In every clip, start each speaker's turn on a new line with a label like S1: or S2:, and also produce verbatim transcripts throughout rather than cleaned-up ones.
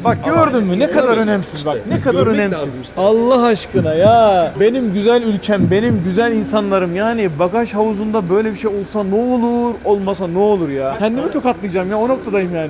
S1: Bak gördün mü ne kadar önemsiz bak. Ne kadar önemsiz. Allah aşkına ya. Benim güzel ülkem, benim güzel insanlarım yani bagaj havuzunda böyle bir şey olsa ne olur, olmasa ne olur ya. Kendimi tokatlayacağım ya, o noktadayım yani.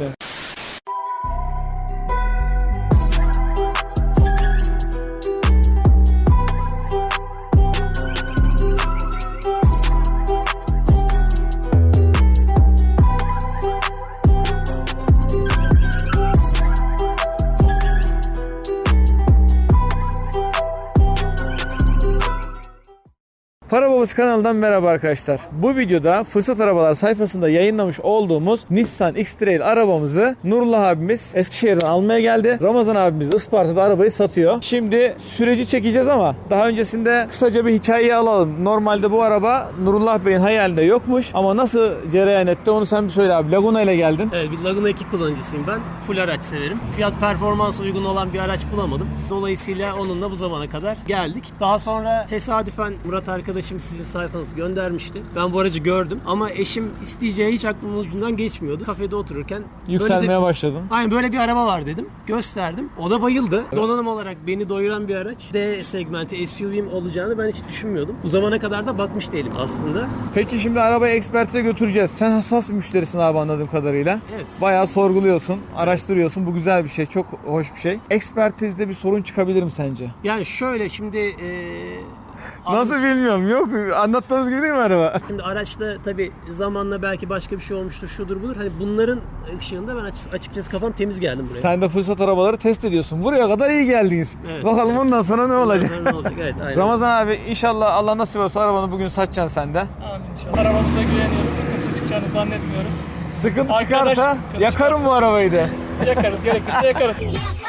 S1: Para Babası kanalından merhaba arkadaşlar. Bu videoda Fırsat Arabalar sayfasında yayınlamış olduğumuz Nissan X-Trail arabamızı Nurullah abimiz Eskişehir'den almaya geldi. Ramazan abimiz Isparta'da arabayı satıyor. Şimdi süreci çekeceğiz ama daha öncesinde kısaca bir hikayeyi alalım. Normalde bu araba Nurullah Bey'in hayalinde yokmuş ama nasıl cereyan etti onu sen bir söyle abi. Laguna ile geldin.
S2: Evet, bir Laguna iki kullanıcısıyım ben. Full araç severim. Fiyat performans uygun olan bir araç bulamadım. Dolayısıyla onunla bu zamana kadar geldik. Daha sonra tesadüfen Murat arkadaşım sizin sayfanızı göndermişti. Ben bu aracı gördüm ama eşim isteyeceği hiç aklımın ucundan geçmiyordu. Kafede otururken
S1: Yükselmeye
S2: böyle de,
S1: başladın.
S2: aynen böyle bir araba var dedim. Gösterdim. O da bayıldı. Donanım olarak beni doyuran bir araç. D segmenti S U V'm olacağını ben hiç düşünmüyordum. Bu zamana kadar da bakmış değilim aslında.
S1: Peki şimdi arabayı ekspertize götüreceğiz. Sen hassas bir müşterisin abi anladığım kadarıyla.
S2: Evet.
S1: Bayağı sorguluyorsun, araştırıyorsun. Bu güzel bir şey, çok hoş bir şey. Ekspertizde bir sorun çıkabilir mi sence?
S2: Yani şöyle şimdi ee,
S1: Nasıl bilmiyorum. Yok. Anlattığımız gibi değil mi araba?
S2: Şimdi araçta tabii zamanla belki başka bir şey olmuştur, şudur budur. Hani bunların ışığında ben açıkçası kafam temiz geldim buraya.
S1: Sen de fırsat arabaları test ediyorsun. Buraya kadar iyi geldiniz.
S2: Evet.
S1: Bakalım ondan sonra ne olacak?
S2: Ne olacak? Evet, aynen.
S1: Ramazan abi inşallah Allah nasip olsa arabanı bugün satacaksın sen de.
S3: Amin inşallah. Arabamıza güveniyoruz. Sıkıntı çıkacağını zannetmiyoruz.
S1: Sıkıntı
S3: Arkadaş,
S1: çıkarsa
S3: sıkıntı
S1: yakarım
S3: çıkarsa.
S1: bu arabayı da.
S3: Yakarız, gerekirse yakarız.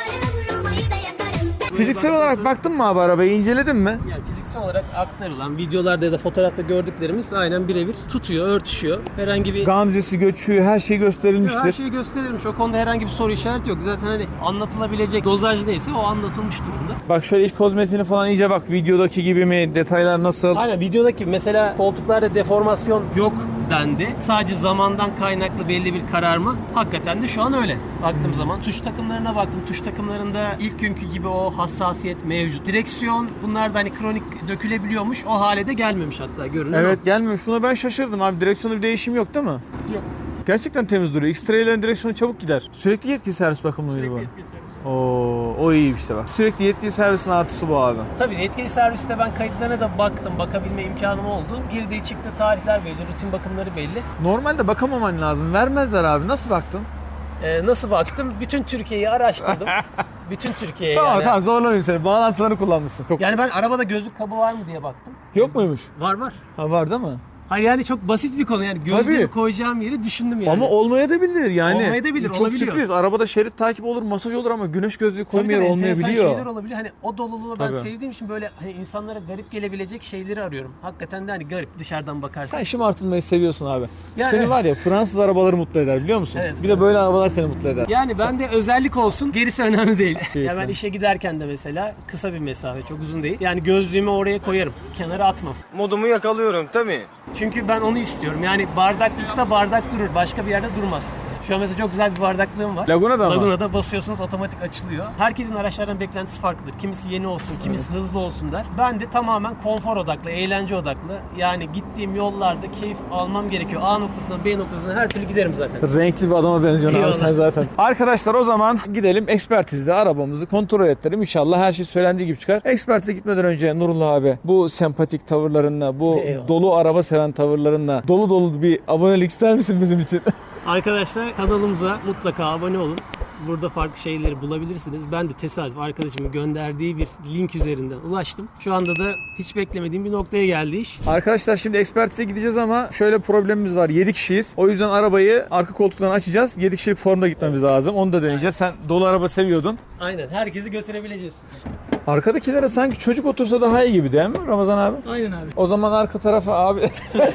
S1: Fiziksel olarak baktın mı abi arabayı? İnceledin mi?
S2: Yani fiziksel olarak aktarılan videolarda ya da fotoğrafta gördüklerimiz aynen birebir tutuyor, örtüşüyor. Herhangi bir
S1: Gamzesi, göçüğü her şey gösterilmiştir.
S2: her şeyi gösterilmiş. O konuda herhangi bir soru işareti yok. Zaten hani anlatılabilecek dozaj neyse o anlatılmış durumda.
S1: Bak şöyle iç kozmetiğini falan iyice bak. Videodaki gibi mi? Detaylar nasıl?
S2: Aynen videodaki mesela koltuklarda deformasyon yok dendi. Sadece zamandan kaynaklı belli bir kararma. Hakikaten de şu an öyle. Baktığım zaman tuş takımlarına baktım. Tuş takımlarında ilk günkü gibi o hassasiyet mevcut. Direksiyon bunlar da hani kronik dökülebiliyormuş. O hale de gelmemiş hatta görünüyor.
S1: Evet gelmiyor. Şuna ben şaşırdım abi. Direksiyonda bir değişim yok değil mi?
S3: Yok.
S1: Gerçekten temiz duruyor. X-Trail'lerin direksiyonu çabuk gider. Sürekli yetkili servis bakımı mıydı bu?
S3: Sürekli yetkili servis.
S1: Oo, o iyi işte bak. Sürekli yetkili servisin artısı bu abi.
S2: Tabii yetkili serviste ben kayıtlarına da baktım. Bakabilme imkanım oldu. Girdiği çıktığı tarihler belli. Rutin bakımları belli.
S1: Normalde bakamaman lazım. Vermezler abi. Nasıl baktın?
S2: Ee, nasıl baktım? Bütün Türkiye'yi araştırdım. Bütün Türkiye'yi
S1: Tamam
S2: yani.
S1: tamam zorlamayayım seni. Bağlantılarını kullanmışsın. Çok...
S2: Yani ben arabada gözlük kabı var mı diye baktım.
S1: Yok muymuş?
S2: Var var.
S1: Ha var değil mi?
S2: Hayır yani çok basit bir konu yani gözlüğümü
S1: Tabii.
S2: koyacağım yeri düşündüm yani.
S1: Ama olmaya da bilir yani.
S2: Olmaya da bilir,
S1: Çok
S2: olabiliyor.
S1: sürpriz. Arabada şerit takip olur, masaj olur ama güneş gözlüğü
S2: Tabii
S1: koyma yeri
S2: tabii, enteresan
S1: olmayabiliyor.
S2: şeyler olabilir. Hani o doluluğu ben
S1: Tabii.
S2: sevdiğim için böyle hani insanlara garip gelebilecek şeyleri arıyorum. Hakikaten de hani garip dışarıdan bakarsan.
S1: Sen şımartılmayı seviyorsun abi.
S2: Yani-
S1: Seni var ya Fransız arabaları mutlu eder biliyor musun?
S2: Evet.
S1: Bir de böyle arabalar seni mutlu eder.
S2: Yani bende özellik olsun, gerisi önemli değil.
S1: Keyifli.
S2: Ya ben işe giderken de mesela kısa bir mesafe, çok uzun değil. Yani gözlüğümü oraya koyarım, kenara atmam.
S4: Modumu yakalıyorum tabii.
S2: Çünkü ben onu istiyorum. Yani bardaklıkta bardak durur, başka bir yerde durmaz. Şu an mesela çok güzel bir bardaklığım var.
S1: Laguna'da mı?
S2: Laguna'da basıyorsunuz otomatik açılıyor. Herkesin araçlardan beklentisi farklıdır. Kimisi yeni olsun, kimisi hızlı olsun der. Ben de tamamen konfor odaklı, eğlence odaklı. Yani gittiğim yollarda keyif almam gerekiyor. A noktasından B noktasına her türlü giderim zaten.
S1: Renkli bir adama benziyorsun abi
S2: Eyvallah.
S1: sen zaten. Arkadaşlar o zaman gidelim ekspertizde arabamızı kontrol ettirelim. İnşallah her şey söylendiği gibi çıkar. Ekspertize gitmeden önce Nurullah abi bu sempatik tavırlarınla, bu
S2: Eyvallah.
S1: dolu araba seven tavırlarınla dolu dolu bir abonelik ister misin bizim için?
S2: Arkadaşlar kanalımıza mutlaka abone olun. Burada farklı şeyleri bulabilirsiniz. Ben de tesadüf arkadaşımın gönderdiği bir link üzerinden ulaştım. Şu anda da hiç beklemediğim bir noktaya geldi iş.
S1: Arkadaşlar şimdi ekspertize gideceğiz ama şöyle problemimiz var. yedi kişiyiz. O yüzden arabayı arka koltuktan açacağız. yedi kişilik formda gitmemiz lazım. Onu da deneyeceğiz. Sen dolu araba seviyordun.
S2: Aynen herkesi götürebileceğiz.
S1: Arkadakilere sanki çocuk otursa daha iyi gibi değil mi Ramazan abi?
S3: Aynen abi.
S1: O zaman arka tarafa abi...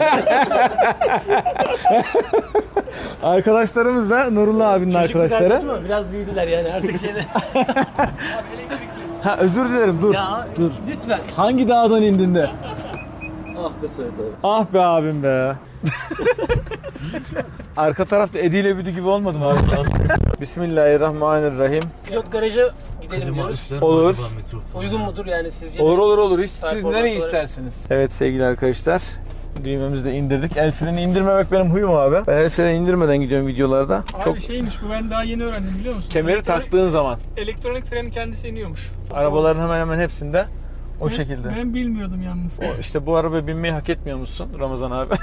S1: Arkadaşlarımız da Nurullah abinin
S2: Küçük bir
S1: arkadaşları.
S2: kardeşim ama biraz büyüdüler yani artık şeyde.
S1: Ha özür dilerim dur.
S2: Ya
S1: Dur.
S2: lütfen.
S1: Hangi dağdan indin de?
S2: Ah be Sait abi.
S1: Ah be abim be. Arka tarafta Edi ile Büdü gibi olmadı mı abi? Bismillahirrahmanirrahim.
S2: Pilot garaja gidelim diyoruz.
S1: Olur.
S2: Uygun mudur yani sizce?
S1: Olur olur olur. Hiç siz
S2: Performans
S1: nereyi
S2: olarak-
S1: isterseniz. Evet sevgili arkadaşlar. Düğmemizi de indirdik. El freni indirmemek benim huyum abi. Ben el freni indirmeden gidiyorum videolarda.
S3: Abi
S1: Çok
S3: şeymiş bu, ben daha yeni öğrendim biliyor musun?
S1: kemeri
S3: Elektronik-
S1: taktığın zaman
S3: Elektronik freni kendisi iniyormuş.
S1: arabaların hemen hemen hepsinde o
S3: Ben-
S1: şekilde.
S3: Ben bilmiyordum yalnız.
S1: O, işte bu arabaya binmeyi hak etmiyor musun Ramazan abi?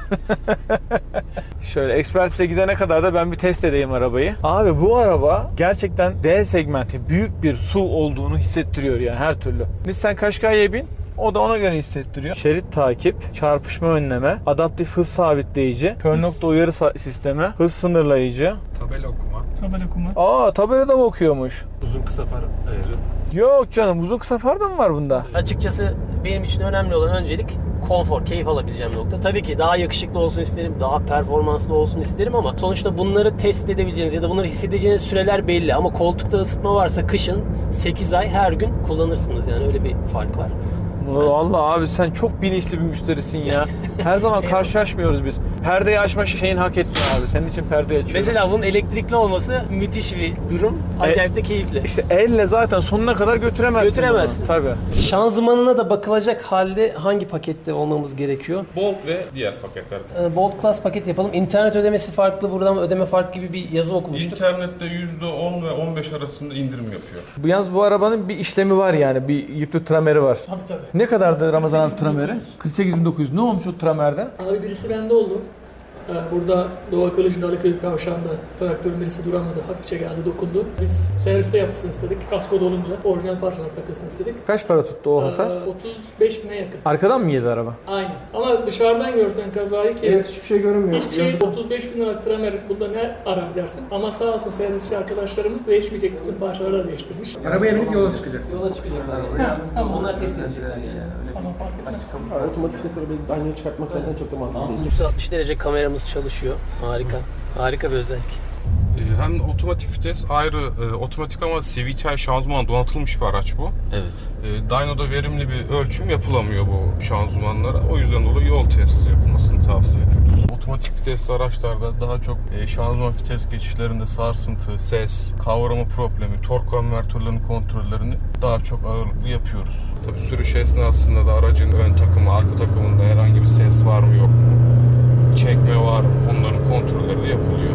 S1: Şöyle Expertise gidene kadar da ben bir test edeyim arabayı. Abi bu araba gerçekten D segmenti büyük bir S U V olduğunu hissettiriyor yani her türlü. Nissan Qashqai'ye bin. O da ona göre hissettiriyor. Şerit takip, çarpışma önleme, adaptif hız sabitleyici, kör nokta uyarı sa- sistemi, hız sınırlayıcı.
S5: Tabela okuma.
S3: Tabela okuma.
S1: Aa tabelada mı okuyormuş?
S5: Uzun kısa far ayarı.
S1: Yok canım uzun kısa far da mı var bunda?
S2: Açıkçası benim için önemli olan öncelik konfor, keyif alabileceğim nokta. Tabii ki daha yakışıklı olsun isterim, daha performanslı olsun isterim ama sonuçta bunları test edebileceğiniz ya da bunları hissedeceğiniz süreler belli. Ama koltukta ısıtma varsa kışın sekiz ay her gün kullanırsınız yani öyle bir fark var.
S1: Vallahi abi sen çok bilinçli bir müşterisin ya. Her zaman karşılaşmıyoruz biz. Perdeyi açma şeyin hak ettin abi. Senin için perdeyi açıyorum.
S2: Mesela bunun elektrikli olması müthiş bir durum. Acayip de keyifli.
S1: İşte elle zaten sonuna kadar götüremezsin.
S2: Götüremezsin.
S1: bunu. Tabii.
S2: Şanzımanına da bakılacak halde hangi pakette olmamız gerekiyor?
S6: Bolt ve diğer paketler.
S2: Ee, Bolt Class paket yapalım. İnternet ödemesi farklı, buradan ödeme farklı gibi bir yazı okumuştuk.
S6: İnternette yüzde on ve on beş arasında indirim yapıyor.
S1: Bu yalnız bu arabanın bir işlemi var yani. Bir yüklü trameri var.
S3: Tabii tabii.
S1: Ne kadardı Ramazan abi trameri? kırk sekiz bin dokuz yüz. Ne olmuş o tramerde?
S3: Abi birisi bende oldu. Ee, Burada Doğu Ekoloji Dalıköy kavşağında traktörün birisi duramadı. Hafifçe geldi, dokundu. Biz serviste yapılsın istedik. Kasko dolunca orijinal parçalar takılsın istedik.
S1: Kaç para tuttu o hasar?
S3: Ee, otuz beş bine yakın.
S1: Arkadan mı yedi araba?
S3: Aynen. Ama dışarıdan görsen kazayı ki
S7: Evet, hiçbir şey görünmüyor.
S3: hiçbir şey otuz beş bin liralık tramer bunda ne arar dersin. Ama sağ olsun servisçi arkadaşlarımız değişmeyecek bütün parçaları da değiştirmiş.
S7: Arabaya binip yola çıkacaksın.
S2: Yola çıkacaklar yani.
S3: Ha, tamam.
S2: Onlar test edecekler yani.
S3: Tamam, fark etmez.
S8: Otomatik vitesi aynı çıkartmak zaten çok da mantıklı değil.
S2: yüz altmış derece kameramız çalışıyor. Harika. Harika bir özellik.
S6: Ee, Hem otomatik vites ayrı e, otomatik ama C V T I şanzıman donatılmış bir araç bu.
S2: Evet.
S6: E, Dyno'da verimli bir ölçüm yapılamıyor bu şanzımanlara. O yüzden dolayı yol testi yapılmasını tavsiye ediyoruz. Otomatik vitesli araçlarda daha çok e, şanzıman vites geçişlerinde sarsıntı, ses, kavrama problemi, tork konvertörlerinin kontrollerini daha çok ağırlıklı yapıyoruz. Tabii sürüş esnasında da aracın ön takımı, arka takımında herhangi bir ses var mı yok mu? Çekme var mı? Onların kontrolleri de yapılıyor.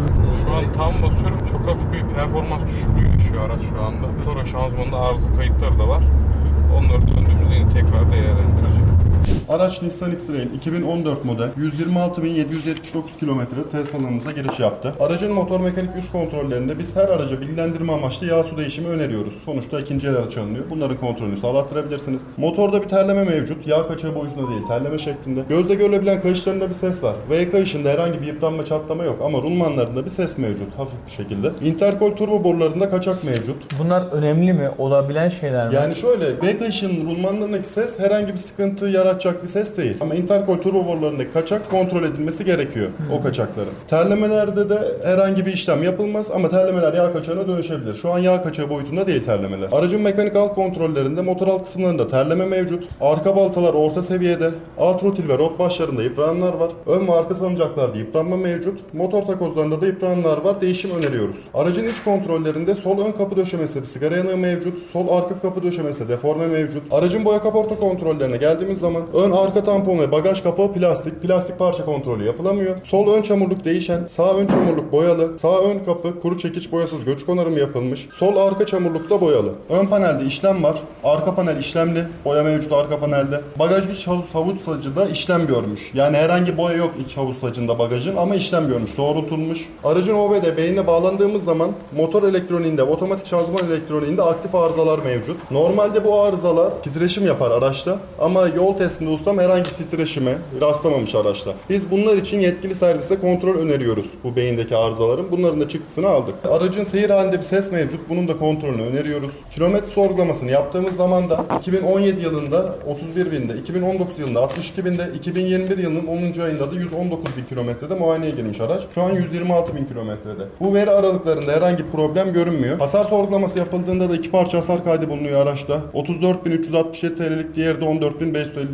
S6: Şu an tam basıyorum. Çok hafif bir performans düşüklüğü yaşıyor araç şu anda. Toro şanzımanında arıza kayıtları da var. Onları döndüğümüzde yine tekrar değerlendireceğim.
S5: Araç Nissan X-Trail iki bin on dört model yüz yirmi altı bin yedi yüz yetmiş dokuz kilometre test alanımıza giriş yaptı. Aracın motor mekanik üst kontrollerinde biz her araca bilgilendirme amaçlı yağ su değişimi öneriyoruz. Sonuçta ikinci el araç alınıyor. Bunların kontrolünü sağlattırabilirsiniz. Motorda bir terleme mevcut. Yağ kaçağı boyutunda değil, terleme şeklinde. Gözle görülebilen kayışlarında bir ses var. V kayışında herhangi bir yıpranma, çatlama yok ama rulmanlarında bir ses mevcut hafif bir şekilde. Intercooler turbo borularında kaçak mevcut.
S1: Bunlar önemli mi? Olabilen şeyler mi?
S5: Yani şöyle, V kayışının rulmanlarındaki ses herhangi bir sıkıntı yaratacak bir ses değil. Ama intercooler turbo borularındaki kaçak kontrol edilmesi gerekiyor o kaçakların. Terlemelerde de herhangi bir işlem yapılmaz ama terlemeler yağ kaçağına dönüşebilir. Şu an yağ kaçağı boyutunda değil terlemeler. Aracın mekanik alt kontrollerinde motor alt kısımlarında terleme mevcut. Arka baltalar orta seviyede. Alt rotil ve rot başlarında yıprananlar var. Ön ve arka salıncaklarda yıpranma mevcut. Motor takozlarında da yıprananlar var. Değişim öneriyoruz. Aracın iç kontrollerinde sol ön kapı döşemesinde bir sigara yanığı mevcut. Sol arka kapı döşemesinde deforme mevcut. Aracın boya kaporta kontrollerine geldiğimiz zaman ön arka tampon ve bagaj kapağı plastik. Plastik parça kontrolü yapılamıyor. Sol ön çamurluk değişen, sağ ön çamurluk boyalı. Sağ ön kapı kuru çekiç boyasız göç onarımı yapılmış. Sol arka çamurluk da boyalı. Ön panelde işlem var. Arka panel işlemli. Boya mevcut arka panelde. Bagaj iç havuz, havuçsacıda işlem görmüş. Yani herhangi boya yok iç havuçsacında bagajın ama işlem görmüş. Doğrultulmuş. Aracın O B D beynine bağlandığımız zaman motor elektroniğinde, otomatik şanzıman elektroniğinde aktif arızalar mevcut. Normalde bu arızalar titreşim yapar araçta ama yol testinde ustam herhangi titreşime rastlamamış araçta. Biz bunlar için yetkili serviste kontrol öneriyoruz bu beyindeki arızaların. Bunların da çıktısını aldık. Aracın seyir halinde bir ses mevcut. Bunun da kontrolünü öneriyoruz. Kilometre sorgulamasını yaptığımız zaman da iki bin on yedi yılında otuz bir binde, iki bin on dokuz yılında altmış iki binde, iki bin yirmi bir yılının onuncu ayında da yüz on dokuz bin kilometrede muayeneye girmiş araç. Şu an yüz yirmi altı bin kilometrede. Bu veri aralıklarında herhangi bir problem görünmüyor. Hasar sorgulaması yapıldığında da iki parça hasar kaydı bulunuyor araçta. otuz dört bin üç yüz altmış yedi T L'lik, diğeri de on dört bin beş yüz elli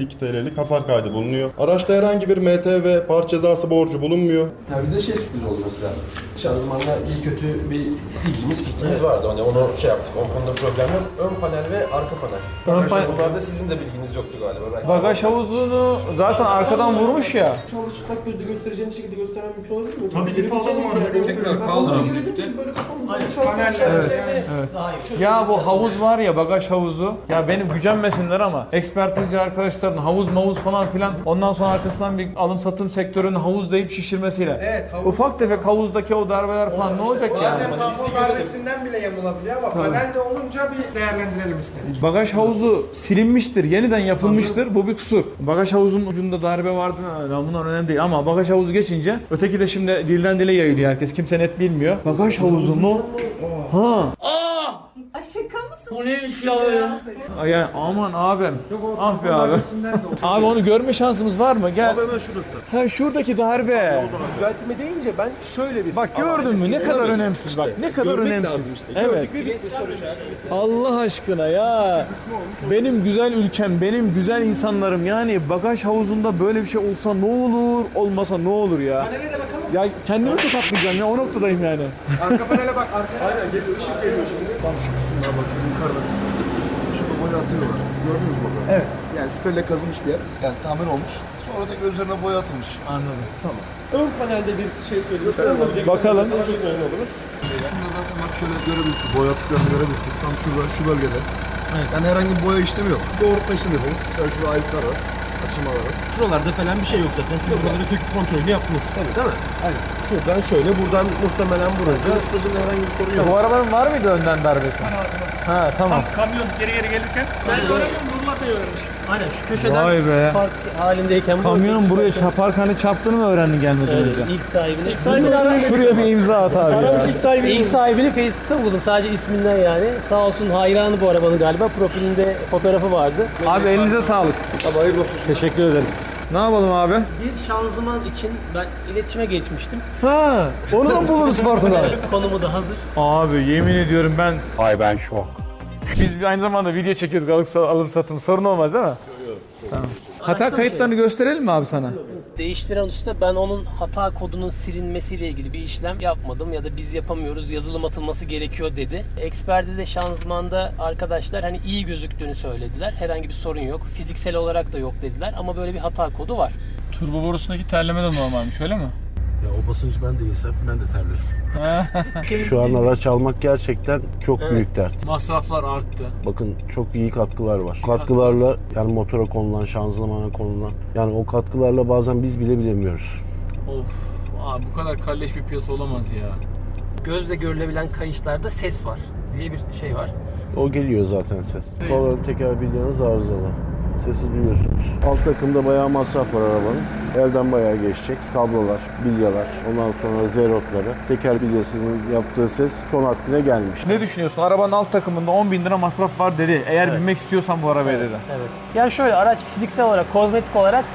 S5: elli iki T L'lik hasar kaydı bulunuyor. Araçta herhangi bir M T ve parça cezası borcu bulunmuyor.
S8: Ya bize şey sürpriz oldu mesela. Şanzımanla iyi kötü bir bilgimiz, fikrimiz vardı. Hani onu şey yaptık, o konuda problem yok. Ön panel ve arka panel.
S1: Ön panel-
S8: Bunlarda sizin de bilginiz yoktu galiba. Belki
S1: Bagaj havuzunu zaten arkadan vurmuş ya.
S8: Şu anda çıplak gözle göstereceğiniz şekilde göstermem mümkün olabilir mi?
S5: Tabii, life alalım aracı gösterelim.
S8: Kaldıralım. Biz böyle kafamızdan şu an
S1: Evet. Ya bu havuz var ya, bagaj havuzu. Ya benim gücenmesinler ama ekspertizci arkadaşların havuz mavuz falan filan, ondan sonra arkasından bir alım satım sektörünün havuz deyip şişirmesiyle.
S7: Evet, havuz.
S1: Ufak tefek havuzdaki o darbeler falan ne olacak yani?
S7: Bazen tampon darbesinden bile yamulabiliyor ama panelde olunca bir değerlendirelim istedik.
S1: Bagaj havuzu silinmiştir, yeniden yapılmıştır. Bu bir kusur. Bagaj havuzunun ucunda darbe vardı. Ha, bunlar önemli değil ama bagaj havuzu geçince öteki de şimdi dilden dile yayılıyor herkes. Kimse net bilmiyor. Bagaj havuzu mu? Ha.
S9: Ay şaka mısın?
S3: O neymiş ya?
S1: Ay Yani aman abim. Ah be abi. Abi onu görme şansımız var mı? Gel.
S5: Abi hemen şurası.
S1: Ha şuradaki darbe.
S8: düzeltme deyince ben şöyle bir...
S1: Bak gördün mü ne kadar önemsiz bak. Ne kadar
S8: Görmek
S1: önemsiz.
S8: lazım işte.
S1: Evet. Allah aşkına ya. Benim güzel ülkem, benim güzel insanlarım, yani bagaj havuzunda böyle bir şey olsa ne olur, olmasa ne olur ya.
S7: Panele de bakalım.
S1: Ya kendimi tokatlayacağım ya, o noktadayım yani.
S7: Arka panele bak. Arka
S5: Aynen geliyor, ışık geliyor şimdi. Tam şu kısımlara bakıyorum yukarıda. Şurada boya atıyorlar. Gördünüz mü burada?
S1: Evet.
S5: Yani spreyle kazılmış bir yer. Yani tamir olmuş. Sonra tekrar üzerine boya atılmış.
S1: Anladım. Tamam.
S8: Ön panelde bir şey söyleyeyim.
S1: Bakalım.
S8: Çok memnun oluruz.
S5: Şu kısımda zaten bak şöyle görebilirsiniz. Boya atıklarını görebilirsiniz. Tam şurada, şu bölgede. Yani herhangi bir boya işlemi yok. Doğrultma işlemi yok. Mesela şurada ayıklar var. Açılmalar var.
S8: Şuralarda falan bir şey yok zaten. Siz buraları söküp kontrolünü yaptınız. Tabii değil mi? Aynen. Şuradan şöyle, buradan muhtemelen vurunca.
S5: Isıtıcının herhangi bir sorun yok.
S1: Bu arabanın var mıydı önden darbesi? Ha tamam.
S3: Kamyon geri geri gelirken. Ben göremiyorum, Nurullah da görmüş.
S2: Aynen şu köşeden
S1: Vay be.
S2: park halindeyken bu
S1: Kamyonun buraya çaparkanı çarptığını mı öğrendin gelmeden önce?
S2: Evet, ilk sahibini. İlk sahibini aramış.
S1: Şuraya bir imza at abi ya.
S2: İlk sahibini, ilk sahibini Facebook'ta buldum. Sadece isminden yani. Sağ olsun hayranı bu arabanın galiba. Profilinde fotoğrafı vardı.
S1: Abi elinize sağlık.
S5: Abi hayırlı olsun.
S1: Teşekkür ederiz. Ne yapalım abi?
S2: Bir şanzıman için ben iletişime geçmiştim.
S1: Ha, onu da buluruz Sparta'da.
S2: Konumu da hazır.
S1: Abi yemin ediyorum ben...
S10: Ay ben şok.
S1: Biz bir aynı zamanda video çekiyoruz, alıp, alım satım. Sorun olmaz değil mi? Yok yok. Tamam. Hata kayıtlarını gösterelim mi abi sana?
S2: Değiştiren usta ben onun hata kodunun silinmesiyle ilgili bir işlem yapmadım ya da biz yapamıyoruz, yazılım atılması gerekiyor dedi. Eksperde de şanzımanda arkadaşlar hani iyi gözüktüğünü söylediler. Herhangi bir sorun yok. Fiziksel olarak da yok dediler ama böyle bir hata kodu var.
S1: Turbo borusundaki terleme de normalmiş, öyle mi?
S10: Ya o basınç ben de yesem ben de terlerim. Şu an araç almak gerçekten çok
S2: Evet.
S10: büyük dert.
S1: Masraflar arttı.
S10: Bakın çok iyi katkılar var. Katkılarla yani motora konulan, şanzımana konulan, yani o katkılarla bazen biz bile bilemiyoruz.
S1: Of, abi bu kadar kalleş bir piyasa olamaz ya.
S2: Gözle görülebilen kayışlarda ses var diye bir şey var.
S10: O geliyor zaten ses. Sol ön teker bildiğiniz arızalı. Sesi duyuyorsunuz. Alt takımda bayağı masraf var arabanın. Elden bayağı geçecek. Tablolar, bilyalar, ondan sonra zerotları. Teker bilyasının yaptığı ses son haddine gelmiş.
S1: Ne düşünüyorsun? Arabanın alt takımında on bin lira masraf var dedi. Eğer
S2: Evet.
S1: binmek istiyorsan bu arabaya dedi.
S2: Evet. Yani şöyle araç fiziksel olarak, kozmetik olarak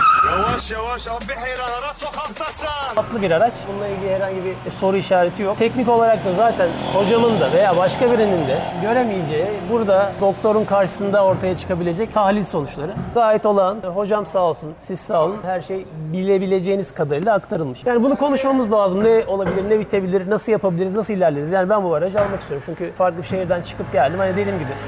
S4: Yavaş yavaş abi heyranlara sokaktasın.
S2: tatlı bir araç. Bununla ilgili herhangi bir soru işareti yok. Teknik olarak da zaten hocamın da veya başka birinin de göremeyeceği, burada doktorun karşısında ortaya çıkabilecek tahlil sonuçları. Gayet olağan. Hocam sağ olsun, siz sağ olun. Her şey bilebileceğiniz kadarıyla aktarılmış. Yani bunu konuşmamız lazım. Ne olabilir, ne bitebilir, nasıl yapabiliriz, nasıl ilerleriz? Yani ben bu aracı almak istiyorum. Çünkü farklı bir şehirden çıkıp geldim. Hani dediğim gibi.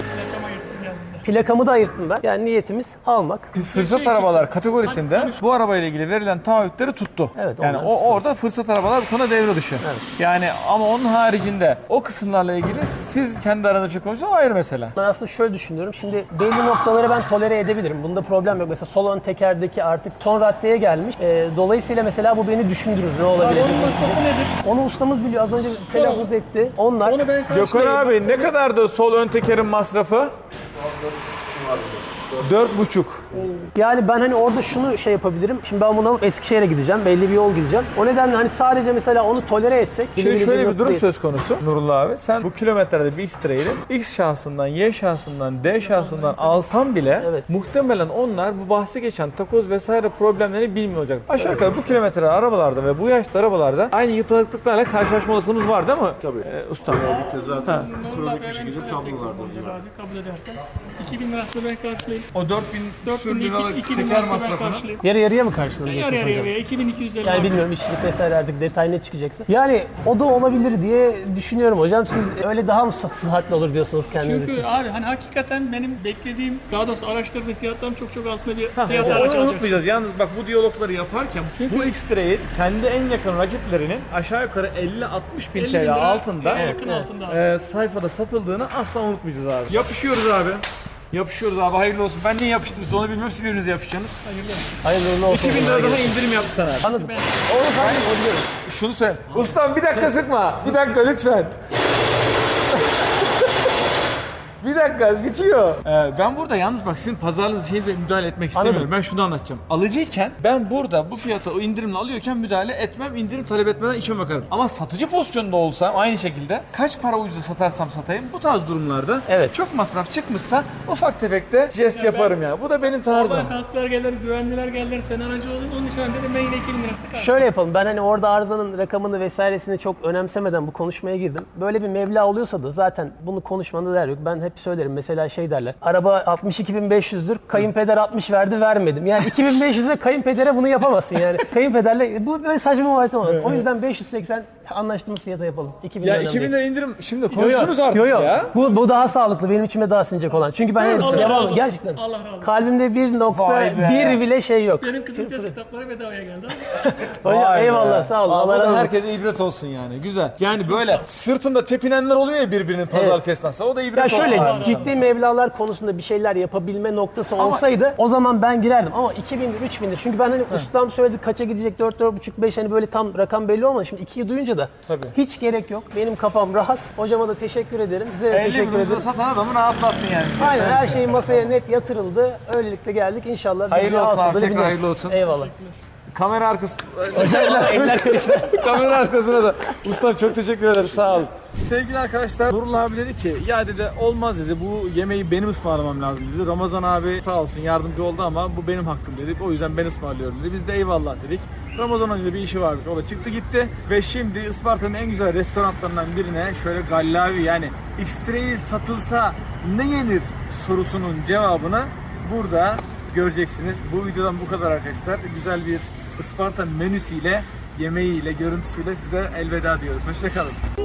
S2: Plakamı da ayırttım ben. Yani niyetimiz almak.
S1: Fırsat arabalar kategorisinde bu arabayla ilgili verilen taahhütleri tuttu.
S2: Evet,
S1: yani
S2: onlar
S1: o
S2: tuttu.
S1: orada fırsat arabalar bu konuda devre dışı.
S2: Evet.
S1: Yani ama onun haricinde o kısımlarla ilgili siz kendi aranızda bir şey konuşuyorsunuz, ayrı mesele.
S2: Ben aslında şöyle düşünüyorum. Şimdi belli noktaları ben tolere edebilirim. Bunda problem yok. Mesela sol ön tekerdeki artık son raddeye gelmiş. Ee, dolayısıyla mesela bu beni düşündürür. Ne olabilir?
S3: Onun masrafı nedir?
S2: Onu ustamız biliyor. Az önce telaffuz etti. Onlar
S3: Onu ben
S1: Gökhan
S3: karşılayayım.
S1: abi ne kadardı sol ön tekerin masrafı? Dört buçuk.
S2: yani ben hani orada şunu şey yapabilirim. Şimdi ben bunu alıp Eskişehir'e gideceğim. Belli bir yol gideceğim. O nedenle hani sadece mesela onu tolere etsek.
S1: Şimdi şöyle bir
S2: nokta
S1: durum
S2: değil.
S1: söz konusu Nurullah abi. Sen bu kilometrede bir X-Trail'i X şahsından, Y şahsından, D şahsından alsan bile
S2: Evet.
S1: muhtemelen onlar bu bahsi geçen takoz vesaire problemlerini bilmiyor olacak. Aşağı yukarı bu kilometre arabalarda ve bu yaşta arabalarda aynı yıpranıklıklarla karşılaşma olasılığımız var değil mi?
S5: Tabii.
S1: Ee, ustam.
S5: Zaten
S3: Nurullah
S5: kronik bir
S3: Bey'e
S5: şekilde
S3: çok
S5: tablolardır
S3: teşekkür
S5: bunlar.
S3: ederim abi, kabul edersen. iki bin lira masrafı ben karşılayayım.
S1: O dört bin
S3: dört bin
S1: liralık
S3: iki bin
S1: teker
S3: masrafı ben
S1: masrafını.
S3: karşılayayım.
S2: Yarı yarıya mı karşılanıyorsunuz
S3: Yarı
S2: hocam?
S3: yarıya iki bin iki yüz elli.
S2: Yani bilmiyorum işçilik vesaire artık detay ne çıkacaksa. Yani o da olabilir diye düşünüyorum hocam. Siz öyle daha mı sıhhatli olur diyorsunuz kendiniz
S3: Çünkü
S2: için?
S3: abi hani hakikaten benim beklediğim, daha doğrusu araçların fiyatlarının çok çok altında bir
S1: Ha,
S3: fiyat
S1: onu
S3: araç alacaksın.
S1: unutmayacağız. Yalnız bak bu diyalogları yaparken
S3: Çünkü-
S1: bu X-Trail kendi en yakın rakiplerinin aşağı yukarı elli altmış bin
S3: elli bin
S1: T L
S3: lira
S1: altında
S3: en yakın altında abi.
S1: e, sayfada satıldığını asla unutmayacağız abi. Yapışıyoruz abi. Yapışıyoruz abi, hayırlı olsun. Ben niye yapıştım size onu bilmiyorum, siz birbirinize yapışacaksınız.
S2: Hayırlı uğurlu olsun.
S1: iki bin lira daha indirim yaptı sana abi.
S2: Anladım. Onu sanırım o biliyorum.
S1: Şunu söyle. Ustam bir dakika sıkma. Bir dakika lütfen. Bir dakika bitiyor. Ee, ben burada yalnız bak sizin pazarınız şeyinize müdahale etmek istemiyorum.
S2: Anladım.
S1: Ben şunu anlatacağım. Alıcıyken ben burada bu fiyata o indirimle alıyorken müdahale etmem. İndirim talep etmeden işime bakarım. Ama satıcı pozisyonunda olsam aynı şekilde kaç para ucuza satarsam satayım bu tarz durumlarda
S2: Evet.
S1: çok masraf çıkmışsa ufak tefek de jest yaparım ya. Bu da benim tarzım.
S3: Oradan kalktılar geldiler, güvendiler geldiler, sen aracı oldun, onun için ben dedim ben yine iki bin lirasını karşılayayım.
S2: Şöyle yapalım. Ben hani orada arızanın rakamını vesairesini çok önemsemeden bu konuşmaya girdim. Böyle bir meblağ oluyorsa da zaten bunu konuşmanda değer yok. Ben hep söylerim. Mesela şey derler. Araba altmış iki bin beş yüzdür. Kayınpeder altmış verdi vermedim. Yani iki bin beş yüze kayınpedere bunu yapamazsın yani. Kayınpederle bu böyle saçma muhabbet olmaz. O yüzden beş yüz seksen anlaştığımız fiyata yapalım. iki bin
S1: Ya
S2: liradan
S1: iki bin
S2: değil.
S1: lira indirim şimdi
S2: Yo, yo.
S1: konuşuruz artık
S2: Yo, yo.
S1: ya.
S2: Bu, bu daha sağlıklı. Benim içime daha sinecek olan. Çünkü ben hepsini
S3: Allah razı
S2: yapamam.
S3: olsun.
S2: Gerçekten.
S3: Allah razı olsun.
S2: Kalbimde bir nokta
S1: Vay be.
S2: bir bile şey yok.
S3: Benim kızım test kitapları bedavaya geldi ama.
S2: Hocam,
S1: Vay be.
S2: eyvallah sağ olun.
S1: Aa,
S2: Allah
S1: bu da
S2: razı olsun.
S1: herkese ibret olsun yani. Güzel. Yani böyle sırtında tepinenler oluyor ya birbirinin pazar
S2: Evet.
S1: esnasında. O da ibret
S2: Ya
S1: olsun.
S2: şöyle
S1: abi.
S2: ciddi mevlalar konusunda bir şeyler yapabilme noktası olsaydı o zaman ben girerdim ama iki bindir üç bindir çünkü ben hani ustam söyledi kaça gidecek dört dört buçuk beş hani böyle tam rakam belli olmadı şimdi ikiyi duyunca da
S1: Tabii.
S2: hiç gerek yok benim kafam rahat hocama da teşekkür ederim size de
S1: elli
S2: teşekkür
S1: bin ucuza
S2: ederim.
S1: satan adamı rahatlattın yani.
S2: Aynen her şey masaya net yatırıldı öylelikle geldik inşallah. biz
S1: Hayırlı
S2: ne
S1: olsun abi,
S2: hasıldığını
S1: tekrar
S2: biliriz.
S1: hayırlı olsun.
S2: Eyvallah.
S1: Kamera arkası.
S2: Eller karıştı.
S1: Kamera arkasına da. Ustam çok teşekkür ederim. Sağ ol. Sevgili arkadaşlar, Nurullah abi dedi ki ya dedi olmaz dedi, bu yemeği benim ısmarlamam lazım dedi. Ramazan abi sağ olsun yardımcı oldu ama bu benim hakkım dedi. O yüzden ben ısmarlıyorum dedi. Biz de eyvallah dedik. Ramazan Hoca bir işi varmış. O da çıktı gitti. Ve şimdi Isparta'nın en güzel restoranlarından birine şöyle gallavi yani X-Trail satılsa ne yenir sorusunun cevabını burada göreceksiniz. Bu videodan bu kadar arkadaşlar. Güzel bir Isparta menüsüyle, yemeğiyle, görüntüsüyle size elveda diyoruz. Hoşça kalın.